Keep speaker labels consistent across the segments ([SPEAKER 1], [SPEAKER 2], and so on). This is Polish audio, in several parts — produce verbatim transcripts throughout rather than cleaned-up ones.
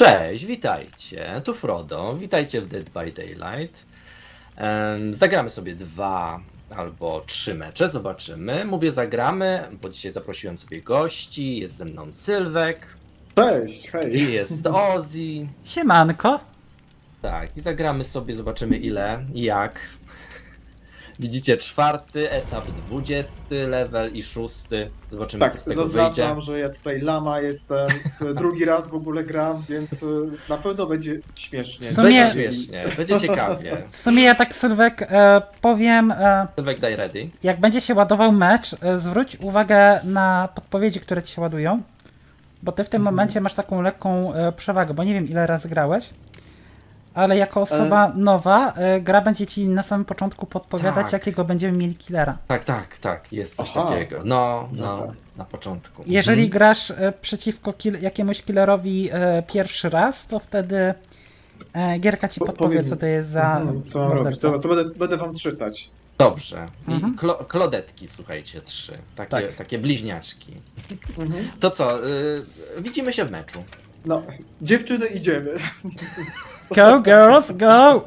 [SPEAKER 1] Cześć, witajcie, tu Frodo, witajcie w Dead by Daylight. Em, Zagramy sobie dwa albo trzy mecze, zobaczymy. Mówię zagramy, bo dzisiaj zaprosiłem sobie gości, jest ze mną Sylwek
[SPEAKER 2] Cześć, hej.
[SPEAKER 1] i jest Ozzy.
[SPEAKER 3] Siemanko.
[SPEAKER 1] Tak, i zagramy sobie, zobaczymy ile i jak. Widzicie czwarty etap, dwudziesty level i szósty. Zobaczymy,
[SPEAKER 2] Tak,
[SPEAKER 1] co z tego
[SPEAKER 2] zaznaczam,
[SPEAKER 1] wyjdzie.
[SPEAKER 2] że ja tutaj lama jestem, drugi raz w ogóle gram, więc y, na pewno będzie śmiesznie.
[SPEAKER 3] W sumie-
[SPEAKER 1] Będzie śmiesznie, będzie ciekawie.
[SPEAKER 3] W sumie ja tak, Sylwek, e, powiem, e,
[SPEAKER 1] Sylwek, daj ready.
[SPEAKER 3] jak będzie się ładował mecz, e, zwróć uwagę na podpowiedzi, które ci się ładują, bo ty w tym
[SPEAKER 2] Mhm.
[SPEAKER 3] momencie masz taką lekką e, przewagę, bo nie wiem ile razy grałeś, ale jako osoba nowa, e, gra będzie ci na samym początku podpowiadać,
[SPEAKER 1] Tak.
[SPEAKER 3] jakiego będziemy mieli killera.
[SPEAKER 1] Tak, tak, tak, jest coś
[SPEAKER 2] Aha.
[SPEAKER 1] takiego. No, no,
[SPEAKER 2] Dobra.
[SPEAKER 1] na początku.
[SPEAKER 3] Jeżeli
[SPEAKER 1] Mhm.
[SPEAKER 3] grasz e, przeciwko kill, jakiemuś killerowi e, pierwszy raz, to wtedy e, gierka ci
[SPEAKER 2] Po-
[SPEAKER 3] podpowie,
[SPEAKER 2] powiem-
[SPEAKER 3] co to jest za
[SPEAKER 2] Mhm, co mam robić?
[SPEAKER 3] morderca.
[SPEAKER 2] Dobra, to będę, będę wam czytać.
[SPEAKER 1] Dobrze. I
[SPEAKER 3] Mhm.
[SPEAKER 1] klo, klodetki, słuchajcie, trzy. Takie,
[SPEAKER 3] Tak.
[SPEAKER 1] takie bliźniaczki.
[SPEAKER 2] Mhm.
[SPEAKER 1] To co, y, widzimy się w meczu.
[SPEAKER 2] No, dziewczyny, idziemy.
[SPEAKER 3] Go girls, go!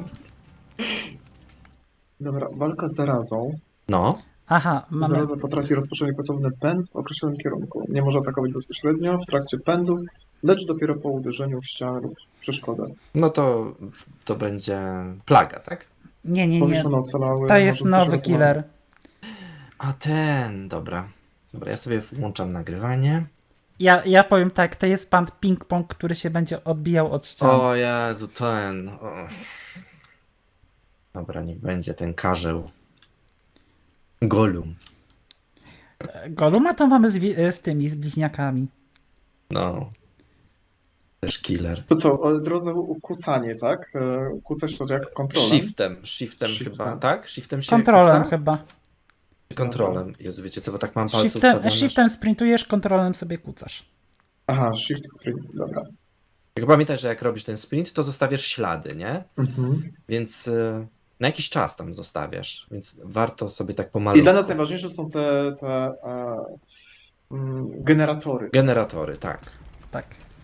[SPEAKER 2] Dobra, walka z zarazą.
[SPEAKER 1] No,
[SPEAKER 3] Aha, mamy.
[SPEAKER 2] Zaraza potrafi rozpocząć gwałtowny pęd w określonym kierunku. Nie może atakować bezpośrednio w trakcie pędu, lecz dopiero po uderzeniu w ścianę lub przeszkodę.
[SPEAKER 1] no to, to będzie plaga, tak?
[SPEAKER 3] Nie, nie, nie.
[SPEAKER 2] Powieszone ocalały.
[SPEAKER 3] To jest
[SPEAKER 2] może
[SPEAKER 3] nowy
[SPEAKER 2] zrzutowane.
[SPEAKER 3] killer.
[SPEAKER 1] A ten, dobra. Dobra, ja sobie włączam nagrywanie.
[SPEAKER 3] Ja, ja powiem tak, to jest pan ping-pong, który się będzie odbijał od ściany.
[SPEAKER 1] O Jezu, ten. O. Dobra, niech będzie ten karzeł. Golum.
[SPEAKER 3] Goluma to mamy z, wi- z tymi, z bliźniakami.
[SPEAKER 1] No. Też killer.
[SPEAKER 2] To co, o drodze ukłócanie, tak? E, Ukłócać to jak kontrolę.
[SPEAKER 1] Shiftem, shiftem,
[SPEAKER 2] Shiftem.
[SPEAKER 1] chyba, tak? Shiftem się
[SPEAKER 3] Kontrolem
[SPEAKER 1] kuca?
[SPEAKER 3] chyba.
[SPEAKER 1] Kontrolem. Jezu, wiecie co, bo tak mam palce
[SPEAKER 3] Shiftem,
[SPEAKER 1] ustawione.
[SPEAKER 3] shiftem sprintujesz, kontrolem sobie kucasz.
[SPEAKER 2] Aha, shift sprint, dobra.
[SPEAKER 1] Jak pamiętaj, że jak robisz ten sprint, to zostawiasz ślady, nie?
[SPEAKER 2] Mhm.
[SPEAKER 1] Więc y, na jakiś czas tam zostawiasz, więc warto sobie tak pomalutku.
[SPEAKER 2] I dla nas najważniejsze są te, te e, mm, generatory.
[SPEAKER 1] Generatory, tak.
[SPEAKER 3] Tak.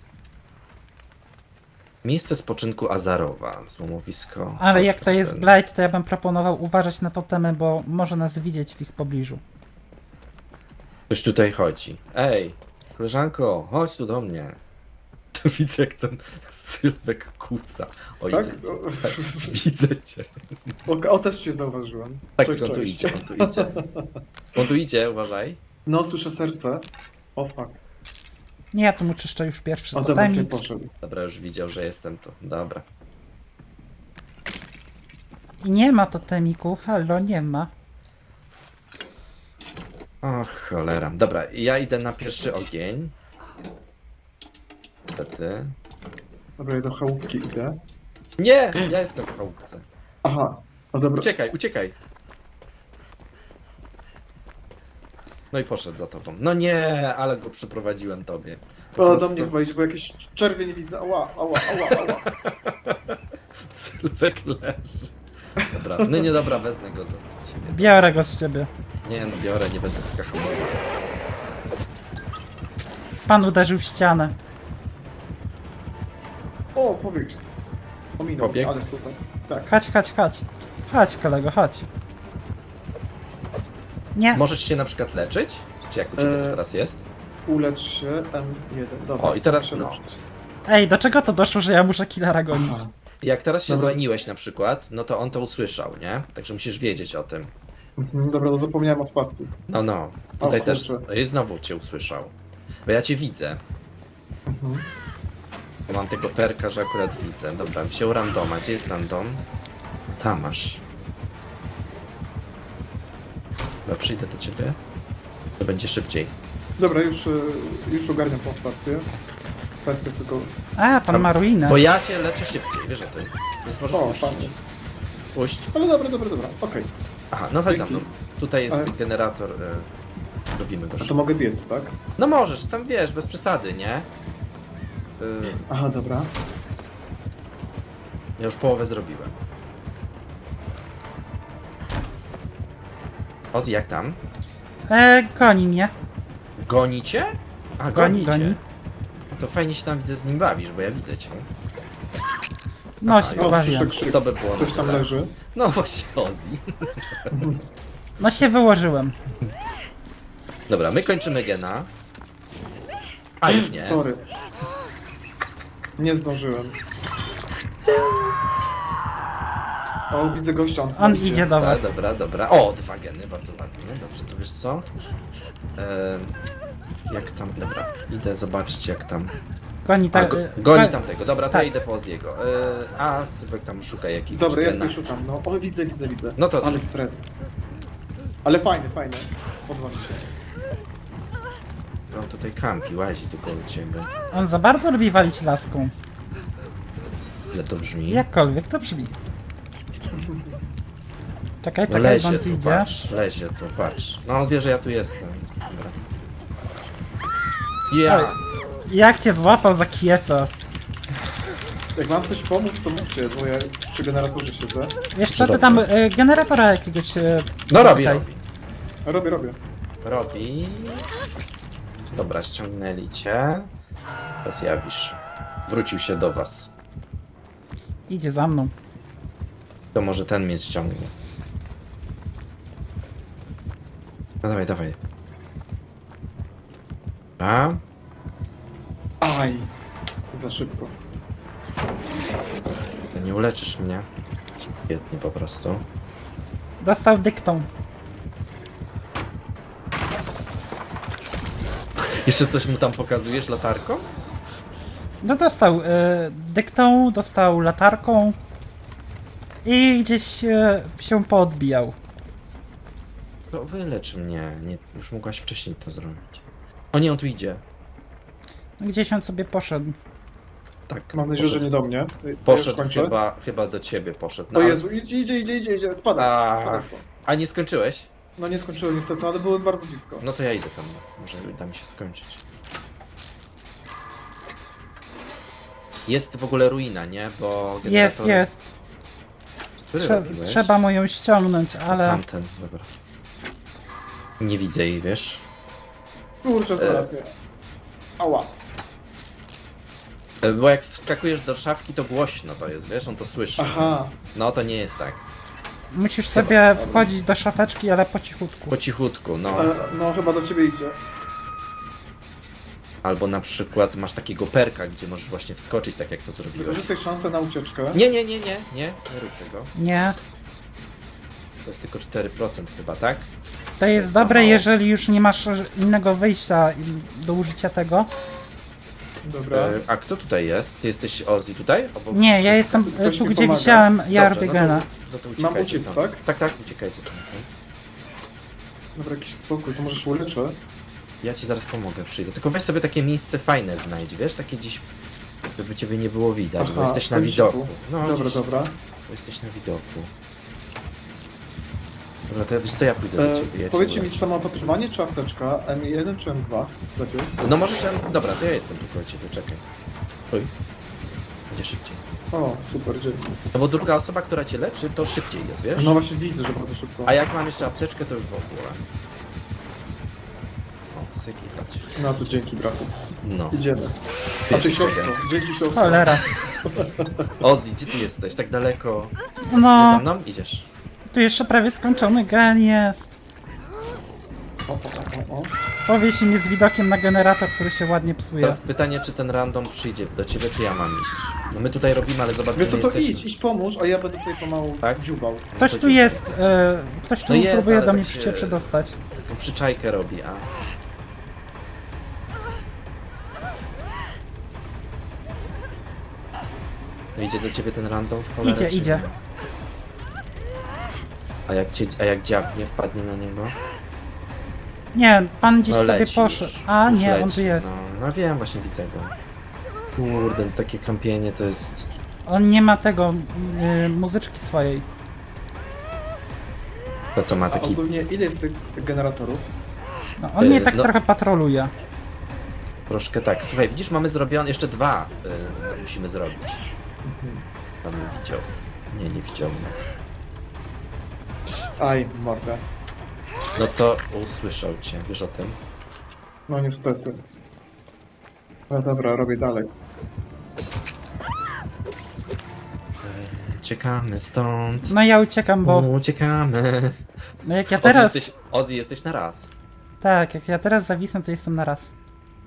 [SPEAKER 1] Miejsce spoczynku Azarowa, złomowisko.
[SPEAKER 3] Ale jak to jest
[SPEAKER 1] Ten-
[SPEAKER 3] Blight, to ja bym proponował uważać na totemy, bo może nas widzieć w ich pobliżu.
[SPEAKER 1] Ktoś tutaj chodzi. Ej, koleżanko, chodź tu do mnie. To widzę, jak ten Sylwek kuca. O,
[SPEAKER 2] Tak?
[SPEAKER 1] idzie,
[SPEAKER 2] O,
[SPEAKER 1] tak, widzę cię.
[SPEAKER 2] o, o, też cię zauważyłem.
[SPEAKER 1] Tak,
[SPEAKER 2] Cześć,
[SPEAKER 1] on tu
[SPEAKER 2] cześć.
[SPEAKER 1] idzie, on tu idzie. On tu idzie, uważaj.
[SPEAKER 2] No, słyszę serce. O fuck.
[SPEAKER 3] Nie, ja tu mu czyszczę już pierwszy
[SPEAKER 2] O, dobra, sobie
[SPEAKER 3] totemik.
[SPEAKER 2] poszedł.
[SPEAKER 1] Dobra, już widział, że jestem tu. Dobra.
[SPEAKER 3] I nie ma totemiku, halo, nie ma.
[SPEAKER 1] Och, cholera. Dobra, ja idę na pierwszy ogień. Niestety.
[SPEAKER 2] Dobra, ja do chałupki idę.
[SPEAKER 1] Nie, ja jestem w chałupce.
[SPEAKER 2] Aha, o dobra.
[SPEAKER 1] Uciekaj, uciekaj. No i poszedł za tobą. No nie, ale go przyprowadziłem tobie. Po
[SPEAKER 2] O, do
[SPEAKER 1] prostu
[SPEAKER 2] mnie chyba idzie, bo jakieś czerwień widzę. Ała, ała, ała, ała.
[SPEAKER 1] Sylwek leży. Dobra, no nie dobra, wezmę go za siebie.
[SPEAKER 3] Biorę go z ciebie.
[SPEAKER 1] Nie no, biorę, nie będę taka hamowa.
[SPEAKER 3] Pan uderzył w ścianę.
[SPEAKER 2] O, pobiegł. Ominął,
[SPEAKER 1] Pobiegł?
[SPEAKER 2] ale super. Tak.
[SPEAKER 3] Chodź, chodź, chodź. Chodź, kolego, chodź. Nie.
[SPEAKER 1] Możesz się na przykład leczyć? Czy jak u ciebie to
[SPEAKER 2] E,
[SPEAKER 1] teraz jest?
[SPEAKER 2] Ulecz się M jeden. Dobra,
[SPEAKER 1] O, i teraz
[SPEAKER 2] muszę
[SPEAKER 1] no.
[SPEAKER 2] leczyć.
[SPEAKER 3] Ej, do czego to doszło, że ja muszę killera gonić?
[SPEAKER 2] Aha.
[SPEAKER 1] Jak teraz się
[SPEAKER 2] Dobra.
[SPEAKER 1] zraniłeś na przykład, no to on to usłyszał, nie? Także musisz wiedzieć o tym.
[SPEAKER 2] Mhm, dobra, no zapomniałem o spacji.
[SPEAKER 1] No, no. Tutaj
[SPEAKER 2] O,
[SPEAKER 1] też
[SPEAKER 2] kurczę.
[SPEAKER 1] i znowu cię usłyszał. Bo ja cię widzę.
[SPEAKER 2] Mhm.
[SPEAKER 1] Bo mam tego perka, że akurat widzę. Dobra, wziął randoma. Gdzie jest random? Tam masz. Dobra, przyjdę do ciebie. To będzie szybciej.
[SPEAKER 2] Dobra, już, y, już ogarniam tą spację. Kwestia tylko...
[SPEAKER 3] A, pan ma ruinę.
[SPEAKER 1] Bo ja cię leczę szybciej, wiesz o tym. Więc możesz
[SPEAKER 2] O,
[SPEAKER 1] puścić.
[SPEAKER 2] fajnie.
[SPEAKER 1] Puść.
[SPEAKER 2] Ale dobra, dobra, dobra, okej.
[SPEAKER 1] Aha, no chodź za
[SPEAKER 2] Dzięki.
[SPEAKER 1] mną. Tutaj jest
[SPEAKER 2] Ale-
[SPEAKER 1] generator. Y, robimy go
[SPEAKER 2] A to
[SPEAKER 1] szybko.
[SPEAKER 2] mogę biec, tak?
[SPEAKER 1] No możesz, tam wiesz, bez przesady, nie? Y,
[SPEAKER 2] Aha, dobra.
[SPEAKER 1] ja już połowę zrobiłem. Ozzy, jak tam?
[SPEAKER 3] E, goni mnie.
[SPEAKER 1] Gonicie? A,
[SPEAKER 3] Goni,
[SPEAKER 1] gonicie.
[SPEAKER 3] goni.
[SPEAKER 1] To fajnie się tam widzę z nim bawisz, bo ja widzę cię.
[SPEAKER 3] No
[SPEAKER 1] Aha,
[SPEAKER 3] się
[SPEAKER 1] o,
[SPEAKER 2] O,
[SPEAKER 3] pobawiłem.
[SPEAKER 2] słyszę krzyk.
[SPEAKER 1] To by było.
[SPEAKER 2] Ktoś tam
[SPEAKER 1] tak.
[SPEAKER 2] leży.
[SPEAKER 1] No właśnie, Ozzy.
[SPEAKER 3] No się wyłożyłem.
[SPEAKER 1] Dobra, my kończymy gena. A już nie.
[SPEAKER 2] Sorry. Nie zdążyłem. O, widzę gościa. On,
[SPEAKER 3] On
[SPEAKER 2] chyba
[SPEAKER 3] idzie do
[SPEAKER 1] Dobra,
[SPEAKER 3] was.
[SPEAKER 1] dobra, dobra. O, dwa geny, bardzo ładnie. Dobrze, to wiesz co? Ehm, jak tam, dobra, idę zobaczyć jak tam.
[SPEAKER 3] Goni
[SPEAKER 1] A,
[SPEAKER 3] tak.
[SPEAKER 1] go,
[SPEAKER 3] y,
[SPEAKER 1] goni
[SPEAKER 3] go-
[SPEAKER 1] tamtego, dobra, to
[SPEAKER 3] tak.
[SPEAKER 1] ja idę po Oziego. Eee, a Sylwek tam szuka jakiegoś
[SPEAKER 2] Dobra, ja
[SPEAKER 1] gena.
[SPEAKER 2] sobie szukam. No, o, widzę, widzę, widzę.
[SPEAKER 1] No to-
[SPEAKER 2] Ale stres. Ale fajny, fajny. Podoba mi się.
[SPEAKER 1] On tutaj kampi, łazi tu koło ciebie.
[SPEAKER 3] On za bardzo lubi walić laską.
[SPEAKER 1] Ile to brzmi?
[SPEAKER 3] Jakkolwiek to brzmi. Czekaj,
[SPEAKER 1] No
[SPEAKER 3] czekaj,
[SPEAKER 1] lezie
[SPEAKER 3] on
[SPEAKER 1] tu,
[SPEAKER 3] tu idzie.
[SPEAKER 1] patrz, lezie tu, patrz. No on wie, że ja tu jestem. Dobra. Ja!
[SPEAKER 3] Oj. Jak cię złapał za kieco?
[SPEAKER 2] Jak mam coś pomóc, to mówcie, bo ja przy generatorze siedzę.
[SPEAKER 3] Wiesz co, ty
[SPEAKER 1] Dobrze.
[SPEAKER 3] tam y, generatora jakiegoś... Y,
[SPEAKER 1] No robi,
[SPEAKER 3] dotykaj.
[SPEAKER 1] robi.
[SPEAKER 2] Robię, robię.
[SPEAKER 1] Robi. Dobra, ściągnęli cię. Teraz jawisz. Wrócił się do was.
[SPEAKER 3] Idzie za mną.
[SPEAKER 1] To może ten mnie ściągnie. No dawaj, dawaj. A?
[SPEAKER 2] Aj. Za szybko.
[SPEAKER 1] To nie uleczysz mnie. Świetnie po prostu.
[SPEAKER 3] Dostał dyktą.
[SPEAKER 1] Jeszcze coś mu tam pokazujesz latarką?
[SPEAKER 3] No dostał y, dyktą, dostał latarką i gdzieś y, się poodbijał.
[SPEAKER 1] To wylecz mnie. Nie, już mogłaś wcześniej to zrobić. O nie, on tu idzie.
[SPEAKER 3] No, gdzieś on sobie poszedł.
[SPEAKER 1] Tak.
[SPEAKER 2] Mam nadzieję, że nie do mnie. Ja już
[SPEAKER 1] Poszedł
[SPEAKER 2] kończę.
[SPEAKER 1] chyba, chyba do ciebie poszedł. No,
[SPEAKER 2] O
[SPEAKER 1] ale-
[SPEAKER 2] Jezu, idzie, idzie, idzie, idzie, idzie. Spada,
[SPEAKER 1] A.
[SPEAKER 2] spada stąd.
[SPEAKER 1] A nie skończyłeś?
[SPEAKER 2] No nie skończyłem niestety, ale byłem bardzo blisko.
[SPEAKER 1] No to ja idę tam. Może uda mi się skończyć. Jest w ogóle ruina, nie? Bo
[SPEAKER 3] Jest,
[SPEAKER 1] generator-
[SPEAKER 3] jest.
[SPEAKER 1] Który
[SPEAKER 3] Trze
[SPEAKER 1] robiłeś?
[SPEAKER 3] trzeba mu ją ściągnąć, ale...
[SPEAKER 1] Tamten, dobra. Nie widzę jej, wiesz?
[SPEAKER 2] Kurczę, znalazł mnie. Ała.
[SPEAKER 1] E, Bo jak wskakujesz do szafki, to głośno to jest, wiesz? On to słyszy.
[SPEAKER 2] Aha.
[SPEAKER 1] No to nie jest tak.
[SPEAKER 3] Musisz sobie wchodzić do szafeczki, ale po cichutku.
[SPEAKER 1] Po cichutku, no.
[SPEAKER 2] E, no chyba do ciebie idzie.
[SPEAKER 1] Albo na przykład masz takiego perka, gdzie możesz właśnie wskoczyć, tak jak to zrobiłeś.
[SPEAKER 2] Wykorzystaj szansę na ucieczkę.
[SPEAKER 1] Nie, nie, nie, nie, nie, nie rób tego.
[SPEAKER 3] Nie.
[SPEAKER 1] To jest tylko cztery procent chyba, tak?
[SPEAKER 3] To jest
[SPEAKER 1] za
[SPEAKER 3] dobre,
[SPEAKER 1] mało.
[SPEAKER 3] jeżeli już nie masz innego wyjścia do użycia tego.
[SPEAKER 2] Dobra.
[SPEAKER 1] E, a kto tutaj jest? Ty jesteś Ozzy tutaj? Obok...
[SPEAKER 3] Nie, ja jestem
[SPEAKER 2] Ktoś
[SPEAKER 3] tu,
[SPEAKER 2] mi
[SPEAKER 3] gdzie
[SPEAKER 2] pomaga.
[SPEAKER 3] widziałem Jar
[SPEAKER 1] Dobrze,
[SPEAKER 3] Bigena.
[SPEAKER 1] No to, no to
[SPEAKER 2] Mam
[SPEAKER 1] uciekajcie
[SPEAKER 2] uciec,
[SPEAKER 1] stąd.
[SPEAKER 2] tak?
[SPEAKER 1] Tak, tak, uciekajcie stąd.
[SPEAKER 2] Dobra, jakiś spokój, to możesz uleczę.
[SPEAKER 1] Ja ci zaraz pomogę, przyjdę. Tylko weź sobie takie miejsce fajne znajdź, wiesz? Takie gdzieś, żeby ciebie nie było widać, bo
[SPEAKER 2] Aha,
[SPEAKER 1] jesteś na
[SPEAKER 2] w kąciku.
[SPEAKER 1] widoku. No,
[SPEAKER 2] Dobra,
[SPEAKER 1] gdzieś,
[SPEAKER 2] dobra.
[SPEAKER 1] Bo jesteś na widoku. Dobra, to wiesz co, ja pójdę do
[SPEAKER 2] E,
[SPEAKER 1] ciebie. Ja cię
[SPEAKER 2] powiedzcie mi,
[SPEAKER 1] uleczę.
[SPEAKER 2] samoopatrywanie czy apteczka? M jeden czy M dwa? Lepiej.
[SPEAKER 1] No możesz, em, dobra, to ja jestem tu koło ciebie, czekaj. Oj. Będzie szybciej.
[SPEAKER 2] O, super, dzięki.
[SPEAKER 1] No bo druga osoba, która cię leczy, to szybciej jest, wiesz?
[SPEAKER 2] No właśnie widzę, że bardzo szybko.
[SPEAKER 1] A jak mam jeszcze apteczkę, to już w ogóle. O, syki, chodź.
[SPEAKER 2] No to dzięki, brachu.
[SPEAKER 1] No.
[SPEAKER 2] Idziemy. A czy siostro? Dzięki siostro.
[SPEAKER 3] Cholera.
[SPEAKER 1] Ozzy, gdzie ty jesteś? Tak daleko. Idziesz za
[SPEAKER 3] No,
[SPEAKER 1] mną? Idziesz.
[SPEAKER 3] tu jeszcze prawie skończony gen jest.
[SPEAKER 2] O, o, o, o.
[SPEAKER 3] Powie się nie z widokiem na generator, który się ładnie psuje.
[SPEAKER 1] Teraz pytanie, czy ten random przyjdzie do ciebie, czy ja mam iść? No my tutaj robimy, ale zobaczymy.
[SPEAKER 2] Wiesz co, to
[SPEAKER 1] jesteśmy.
[SPEAKER 2] idź, idź pomóż, a ja będę tutaj pomału
[SPEAKER 1] Tak?
[SPEAKER 2] dziubał.
[SPEAKER 3] Ktoś
[SPEAKER 1] to
[SPEAKER 3] tu
[SPEAKER 1] dziękuję.
[SPEAKER 3] jest, e, ktoś tu
[SPEAKER 1] No jest,
[SPEAKER 3] próbuje
[SPEAKER 1] ale
[SPEAKER 3] do
[SPEAKER 1] tak
[SPEAKER 3] mnie
[SPEAKER 1] się-
[SPEAKER 3] się przedostać.
[SPEAKER 1] Tą przyczajkę robi, a... No idzie do ciebie ten random w cholerę,
[SPEAKER 3] Idzie,
[SPEAKER 1] czy
[SPEAKER 3] idzie.
[SPEAKER 1] nie? A jak, cię, a jak dziabnie, wpadnie na niego?
[SPEAKER 3] Nie, pan gdzieś
[SPEAKER 1] No
[SPEAKER 3] sobie
[SPEAKER 1] leci
[SPEAKER 3] poszedł.
[SPEAKER 1] już,
[SPEAKER 3] A
[SPEAKER 1] już
[SPEAKER 3] nie, on
[SPEAKER 1] leci,
[SPEAKER 3] tu jest.
[SPEAKER 1] No, no wiem, właśnie widzę go. Kurde, takie kampienie to jest...
[SPEAKER 3] On nie ma tego, y, muzyczki swojej.
[SPEAKER 1] To co ma
[SPEAKER 2] A
[SPEAKER 1] taki...
[SPEAKER 2] ogólnie ile jest tych generatorów?
[SPEAKER 3] No, on mnie
[SPEAKER 1] Y,
[SPEAKER 3] tak
[SPEAKER 1] no.
[SPEAKER 3] trochę patroluje.
[SPEAKER 1] Troszkę tak. Słuchaj, widzisz, mamy zrobione... Jeszcze dwa y, musimy zrobić.
[SPEAKER 2] Mhm.
[SPEAKER 1] Pan nie widział. Nie, nie widział mnie.
[SPEAKER 2] Aj, w mordę.
[SPEAKER 1] No to usłyszał cię, wiesz o tym?
[SPEAKER 2] No niestety. No dobra, robię dalej.
[SPEAKER 1] Uciekamy stąd.
[SPEAKER 3] No ja uciekam, bo
[SPEAKER 1] Uciekamy.
[SPEAKER 3] no jak ja
[SPEAKER 1] Ozzy
[SPEAKER 3] teraz...
[SPEAKER 1] jesteś, Ozzy, jesteś na raz.
[SPEAKER 3] Tak, jak ja teraz zawisnę, to jestem na raz.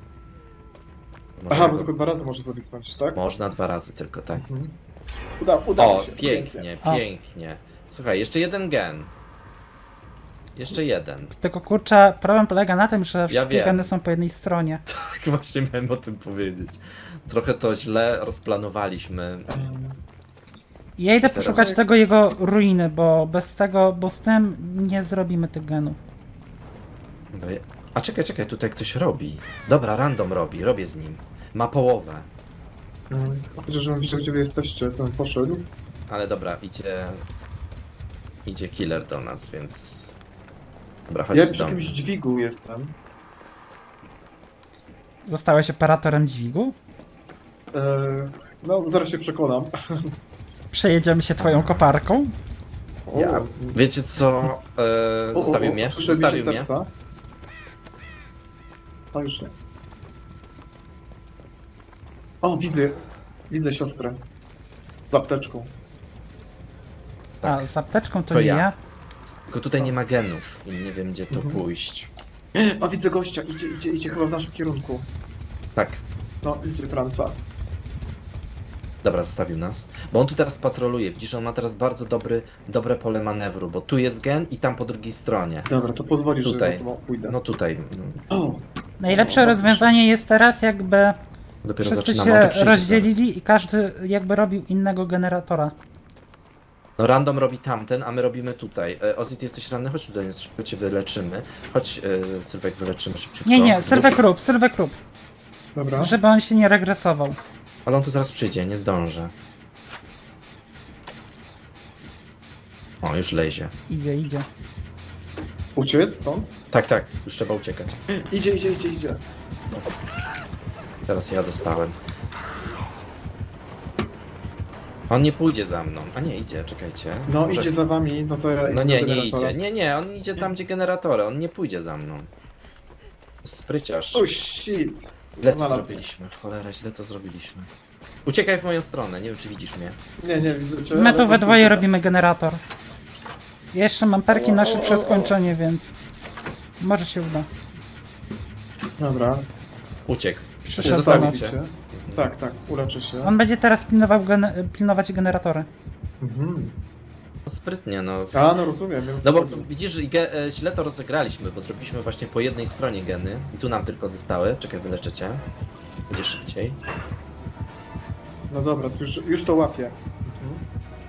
[SPEAKER 2] Aha, bo tylko dwa razy może zawisnąć, tak?
[SPEAKER 1] Można dwa razy tylko, tak?
[SPEAKER 2] Mhm. Uda, udało
[SPEAKER 1] O,
[SPEAKER 2] się.
[SPEAKER 1] pięknie,
[SPEAKER 3] O.
[SPEAKER 1] pięknie. Słuchaj, jeszcze jeden gen. Jeszcze jeden.
[SPEAKER 3] Tylko kurczę, problem polega na tym, że wszystkie
[SPEAKER 1] wiem.
[SPEAKER 3] geny są po jednej stronie.
[SPEAKER 1] Tak właśnie miałem o tym powiedzieć. Trochę to źle rozplanowaliśmy.
[SPEAKER 2] Ehm,
[SPEAKER 3] Ja idę
[SPEAKER 1] Teraz-
[SPEAKER 3] poszukać tego jego ruiny, bo bez tego, bo z tym nie zrobimy tych genów.
[SPEAKER 1] No je- A czekaj, czekaj, tutaj ktoś robi. Dobra, random robi, robię z nim. Ma połowę.
[SPEAKER 2] ehm, Chociaż żebym wiedział, gdzie wy jesteście, to bym poszedł.
[SPEAKER 1] Ale dobra, idzie... Idzie killer do nas, więc... Dobra, chodź
[SPEAKER 2] Ja
[SPEAKER 1] do
[SPEAKER 2] przy
[SPEAKER 1] mnie.
[SPEAKER 2] jakimś dźwigu jestem.
[SPEAKER 3] Zostałeś operatorem dźwigu?
[SPEAKER 2] Eee, no, zaraz się przekonam.
[SPEAKER 3] Przejedziemy się twoją koparką?
[SPEAKER 2] O,
[SPEAKER 1] Ja, wiecie co? E,
[SPEAKER 2] o, o,
[SPEAKER 1] zostawił
[SPEAKER 2] o,
[SPEAKER 1] mnie.
[SPEAKER 2] Słyszę bicie
[SPEAKER 1] Zostawił mnie.
[SPEAKER 2] serca. O, już nie. O, widzę. Widzę siostrę. Z apteczką.
[SPEAKER 1] Tak.
[SPEAKER 3] A, z apteczką to,
[SPEAKER 1] To
[SPEAKER 3] nie
[SPEAKER 1] ja.
[SPEAKER 3] ja.
[SPEAKER 1] Tylko tutaj nie ma genów i nie wiem, gdzie to
[SPEAKER 2] Mhm.
[SPEAKER 1] pójść.
[SPEAKER 2] O, widzę gościa. Idzie, idzie, idzie chyba w naszym kierunku.
[SPEAKER 1] Tak.
[SPEAKER 2] No, idzie Franca.
[SPEAKER 1] Dobra, zostawił nas. Bo on tu teraz patroluje. Widzisz, on ma teraz bardzo dobry, dobre pole manewru, bo tu jest gen i tam po drugiej stronie.
[SPEAKER 2] Dobra, to pozwolisz,
[SPEAKER 1] Tutaj.
[SPEAKER 2] że za tobą pójdę.
[SPEAKER 1] No tutaj. No,
[SPEAKER 2] O,
[SPEAKER 3] Najlepsze
[SPEAKER 2] No,
[SPEAKER 3] rozwiązanie jest teraz jakby
[SPEAKER 1] dopiero
[SPEAKER 3] wszyscy
[SPEAKER 1] zaczynamy. On tu
[SPEAKER 3] się
[SPEAKER 1] przyjdzie
[SPEAKER 3] rozdzielili i każdy jakby robił innego generatora.
[SPEAKER 1] zaraz. No random robi tamten, a my robimy tutaj. E, Ozzy, ty jesteś ranny? Chodź tutaj, szybko cię wyleczymy. Chodź, e, Sylwek, wyleczymy szybciutko.
[SPEAKER 3] Nie, nie, Sylwek rób, Sylwek rób,
[SPEAKER 2] dobra.
[SPEAKER 3] żeby on się nie regresował.
[SPEAKER 1] Ale on tu zaraz przyjdzie, nie zdążę. O, już lezie.
[SPEAKER 3] Idzie, idzie.
[SPEAKER 2] Uciec stąd?
[SPEAKER 1] Tak, tak, już trzeba uciekać.
[SPEAKER 2] Idzie, idzie, idzie, idzie.
[SPEAKER 1] Teraz ja dostałem. On nie pójdzie za mną. A nie, idzie, czekajcie.
[SPEAKER 2] No,
[SPEAKER 1] Może-
[SPEAKER 2] idzie za wami, no to ja
[SPEAKER 1] No
[SPEAKER 2] idę
[SPEAKER 1] nie,
[SPEAKER 2] do
[SPEAKER 1] nie
[SPEAKER 2] generatora.
[SPEAKER 1] idzie. Nie, nie, on idzie tam, gdzie generatory. On nie pójdzie za mną. Spryciarz.
[SPEAKER 2] O, shit.
[SPEAKER 1] Źle to
[SPEAKER 2] znalazł
[SPEAKER 1] zrobiliśmy. Cholera, źle to zrobiliśmy. Uciekaj w moją stronę, nie wiem czy widzisz mnie.
[SPEAKER 2] Nie, nie, widzę cię.
[SPEAKER 3] My
[SPEAKER 2] ale
[SPEAKER 3] tu we
[SPEAKER 2] gościu
[SPEAKER 3] dwoje
[SPEAKER 2] ucieka.
[SPEAKER 3] robimy generator. Ja jeszcze mam perki na
[SPEAKER 2] O, o,
[SPEAKER 3] szybsze
[SPEAKER 2] o, o.
[SPEAKER 3] skończenie, więc może się uda.
[SPEAKER 2] Dobra.
[SPEAKER 1] Uciekł.
[SPEAKER 3] Przyszedł do
[SPEAKER 1] Zostawił
[SPEAKER 3] nas.
[SPEAKER 1] cię.
[SPEAKER 2] cię. Tak, tak, uleczę się.
[SPEAKER 3] On będzie teraz pilnował gen- pilnować generatory.
[SPEAKER 2] Mhm.
[SPEAKER 1] No sprytnie, no.
[SPEAKER 2] A, no rozumiem, wiem
[SPEAKER 1] No
[SPEAKER 2] co
[SPEAKER 1] bo
[SPEAKER 2] chodzi.
[SPEAKER 1] widzisz, że ge- e, źle to rozegraliśmy, bo zrobiliśmy właśnie po jednej stronie geny. I tu nam tylko zostały. Czekaj, wyleczę cię. Będzie szybciej.
[SPEAKER 2] No dobra, to już, już to łapię. Mhm.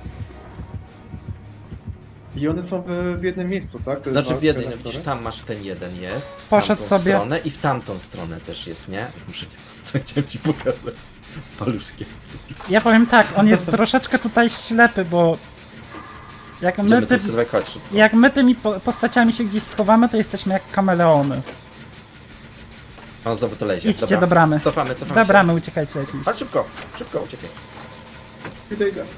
[SPEAKER 2] I one są w, w jednym miejscu, tak? Te
[SPEAKER 1] Znaczy
[SPEAKER 2] dwa
[SPEAKER 1] w jednej, no
[SPEAKER 2] generatory?
[SPEAKER 1] widzisz, tam masz ten jeden jest. W
[SPEAKER 3] Poszedł
[SPEAKER 1] tamtą
[SPEAKER 3] sobie.
[SPEAKER 1] stronę i w tamtą stronę też jest, nie? Muszę nie w tą stronę, chciałem ci pokazać. Paluszkiem.
[SPEAKER 3] Ja powiem tak, on jest troszeczkę tutaj ślepy, bo jak my,
[SPEAKER 1] Idziemy
[SPEAKER 3] ty,
[SPEAKER 1] tu, Sylwek, chodź szybko.
[SPEAKER 3] jak my tymi po- postaciami się gdzieś schowamy, to jesteśmy jak kameleony.
[SPEAKER 1] On znowu to lezie.
[SPEAKER 3] Idźcie
[SPEAKER 1] Dobra.
[SPEAKER 3] do bramy.
[SPEAKER 1] Cofamy, cofamy
[SPEAKER 3] Do
[SPEAKER 1] się.
[SPEAKER 3] bramy uciekajcie jakieś.
[SPEAKER 1] Chodź szybko, szybko, uciekaj.
[SPEAKER 2] Idę, idę.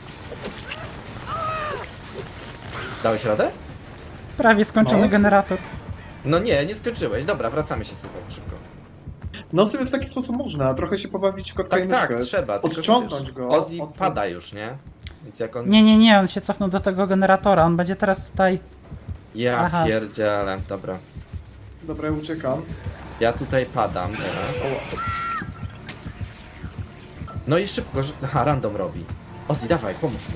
[SPEAKER 1] Dałeś radę?
[SPEAKER 3] Prawie skończony
[SPEAKER 2] No.
[SPEAKER 3] generator.
[SPEAKER 1] No nie, nie skończyłeś. Dobra, wracamy się Sylwek, szybko.
[SPEAKER 2] No w sumie w taki sposób można, trochę się pobawić kotka
[SPEAKER 1] Tak,
[SPEAKER 2] i
[SPEAKER 1] tak,
[SPEAKER 2] myszkę.
[SPEAKER 1] trzeba. tylko
[SPEAKER 2] Odciągnąć
[SPEAKER 1] wiesz,
[SPEAKER 2] go
[SPEAKER 1] Ozzy
[SPEAKER 2] od-
[SPEAKER 1] pada już, nie? Więc jak on...
[SPEAKER 3] Nie, nie, nie, on się cofnął do tego generatora, on będzie teraz tutaj...
[SPEAKER 1] Ja
[SPEAKER 3] Aha.
[SPEAKER 1] pierdzielę, dobra.
[SPEAKER 2] Dobra, ja uciekam.
[SPEAKER 1] Ja tutaj padam teraz.
[SPEAKER 2] O,
[SPEAKER 1] No i szybko, że... Aha, random robi. Ozzy, dawaj, pomóż mu.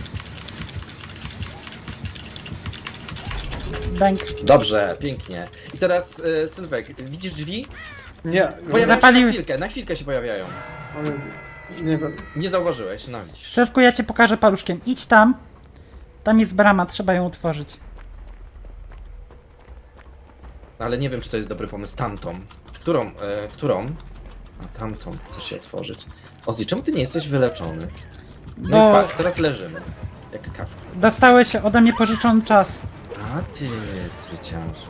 [SPEAKER 3] Bęk.
[SPEAKER 1] Dobrze, pięknie. I teraz y, Sylwek, widzisz drzwi?
[SPEAKER 2] nie,
[SPEAKER 1] Pojawiają
[SPEAKER 3] Zapaliły-
[SPEAKER 1] się na chwilkę, na chwilkę się pojawiają.
[SPEAKER 2] o Jezu. Nie wiem.
[SPEAKER 1] Nie zauważyłeś, no widzisz.
[SPEAKER 3] Szefku, ja cię pokażę paluszkiem. Idź tam. Tam jest brama, trzeba ją otworzyć.
[SPEAKER 1] Ale nie wiem, czy to jest dobry pomysł. Tamtą. Którą? E, którą? A tamtą chcę się otworzyć. Ozzy, czemu ty nie jesteś wyleczony? No
[SPEAKER 3] Bo
[SPEAKER 1] i patrz, teraz leżymy. Jak kawka.
[SPEAKER 3] dostałeś ode mnie pożyczony czas.
[SPEAKER 1] A ty, zwyciężu.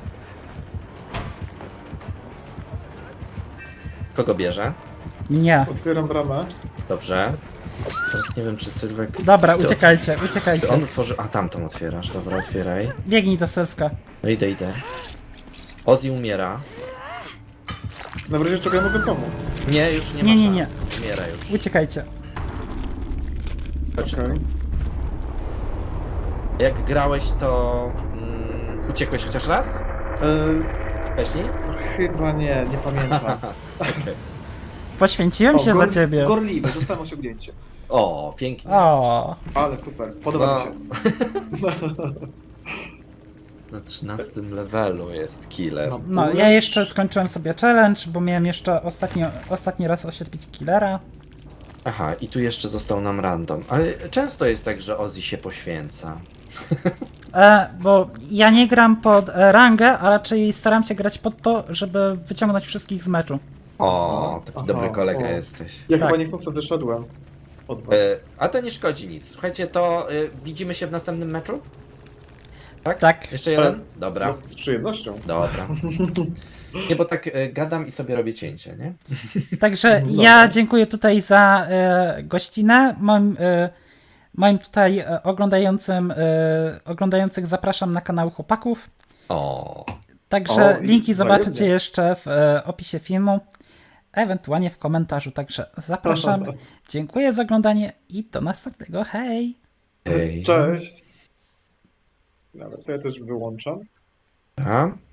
[SPEAKER 1] Kogo bierze?
[SPEAKER 3] Nie.
[SPEAKER 2] Otwieram bramę.
[SPEAKER 1] Dobrze. Teraz nie wiem, czy Sylwek...
[SPEAKER 3] Dobra,
[SPEAKER 1] Ty-
[SPEAKER 3] uciekajcie,
[SPEAKER 1] Czy
[SPEAKER 3] uciekajcie.
[SPEAKER 1] on otworzy... A, tamtą otwierasz. Dobra, otwieraj.
[SPEAKER 3] Biegnij do Sylwka.
[SPEAKER 1] No idę, idę. Ozzy umiera.
[SPEAKER 2] Na razie czego ja mogę pomóc?
[SPEAKER 1] Nie, już nie,
[SPEAKER 3] Nie,
[SPEAKER 1] ma
[SPEAKER 3] nie, nie.
[SPEAKER 1] szans. Umiera już.
[SPEAKER 3] Uciekajcie.
[SPEAKER 1] Chodź.
[SPEAKER 2] Okej.
[SPEAKER 1] Jak grałeś, to mm, uciekłeś chociaż raz?
[SPEAKER 2] E,
[SPEAKER 1] Wcześniej?
[SPEAKER 2] Chyba nie, nie pamiętam.
[SPEAKER 1] Okej.
[SPEAKER 3] Poświęciłem się za
[SPEAKER 2] gor-
[SPEAKER 3] ciebie.
[SPEAKER 2] Gorliwy, dostałem osiągnięcie.
[SPEAKER 1] O, pięknie.
[SPEAKER 3] O,
[SPEAKER 2] Ale super, podoba
[SPEAKER 1] No.
[SPEAKER 2] mi się.
[SPEAKER 1] Na trzynastym levelu jest killer.
[SPEAKER 2] No.
[SPEAKER 3] no ja jeszcze skończyłem sobie challenge, bo miałem jeszcze ostatnio, ostatni raz oślepić killera.
[SPEAKER 1] Aha, i tu jeszcze został nam random. Ale często jest tak, że Ozzy się poświęca.
[SPEAKER 3] E, bo ja nie gram pod e, rangę, a raczej staram się grać pod to, żeby wyciągnąć wszystkich z meczu.
[SPEAKER 1] O, taki
[SPEAKER 2] Aha,
[SPEAKER 1] dobry kolega
[SPEAKER 2] o.
[SPEAKER 1] jesteś.
[SPEAKER 2] Ja
[SPEAKER 3] Tak.
[SPEAKER 2] chyba niechcący wyszedłem od was.
[SPEAKER 1] E, a to nie szkodzi nic. Słuchajcie, to e, widzimy się w następnym meczu? Tak?
[SPEAKER 3] Tak.
[SPEAKER 1] Jeszcze jeden? Dobra.
[SPEAKER 2] No, z przyjemnością.
[SPEAKER 1] Dobra. Nie, bo tak e, gadam i sobie robię cięcie, nie?
[SPEAKER 3] Także
[SPEAKER 2] Dobra.
[SPEAKER 3] ja dziękuję tutaj za e, gościnę. Moim, e, moim tutaj e, oglądającym, e, oglądających zapraszam na kanał chłopaków.
[SPEAKER 1] O,
[SPEAKER 3] Także
[SPEAKER 2] O, i
[SPEAKER 3] linki zobaczycie
[SPEAKER 2] wzajemnie.
[SPEAKER 3] jeszcze w e, opisie filmu, ewentualnie w komentarzu. Także zapraszam. Dziękuję za oglądanie i do następnego. Hej!
[SPEAKER 1] hej.
[SPEAKER 2] Cześć. Dobra, to ja też wyłączam.
[SPEAKER 1] Dobra.